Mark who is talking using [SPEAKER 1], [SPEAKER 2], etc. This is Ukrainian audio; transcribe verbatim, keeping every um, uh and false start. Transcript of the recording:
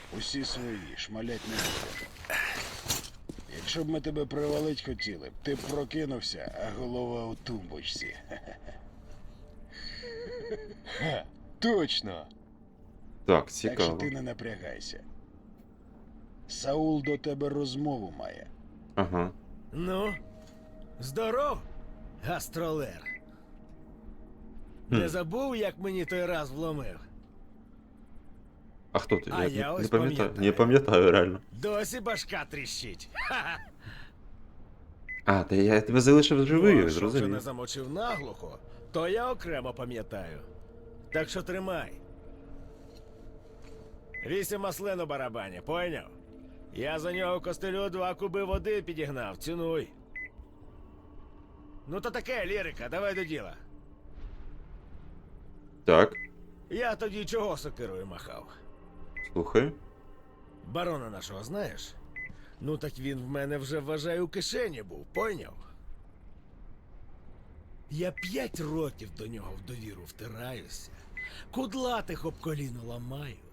[SPEAKER 1] Усі свої, шмалять не будемо. Якщо б ми тебе привалить хотіли, ти б прокинувся, а голова у тумбочці.
[SPEAKER 2] Ха, точно.
[SPEAKER 3] Так,
[SPEAKER 1] Так що
[SPEAKER 3] цікаво.
[SPEAKER 1] ти не напрягайся. Саул до тебе розмову має.
[SPEAKER 3] Ага.
[SPEAKER 4] Ну, здоров, гастролер.
[SPEAKER 3] Хм.
[SPEAKER 4] Не забув, як мені той раз вломив?
[SPEAKER 3] А хто ти?
[SPEAKER 4] А
[SPEAKER 3] я
[SPEAKER 4] я
[SPEAKER 3] не,
[SPEAKER 4] ось
[SPEAKER 3] не пам'ятаю.
[SPEAKER 4] пам'ятаю.
[SPEAKER 3] Не пам'ятаю реально.
[SPEAKER 4] Досі башка тріщить. Ха-ха.
[SPEAKER 3] А, та я тебе залишив живий,
[SPEAKER 4] Ну, а що вже не
[SPEAKER 3] зрозумів.
[SPEAKER 4] замочив наглухо, то я окремо пам'ятаю. Так що тримай. Вісім маслин у барабані, пойняв? Я за нього костелю два куби води підігнав, цінуй. Ну то таке, лірика, давай до діла.
[SPEAKER 3] Так,
[SPEAKER 4] Я тоді чого сокирою махав?
[SPEAKER 3] слухай.
[SPEAKER 4] Барона нашого знаєш? Ну так він в мене вже, вважаю, у кишені був, пойняв? Я п'ять років до нього в довіру втираюся, кудлатих об коліно ламаю.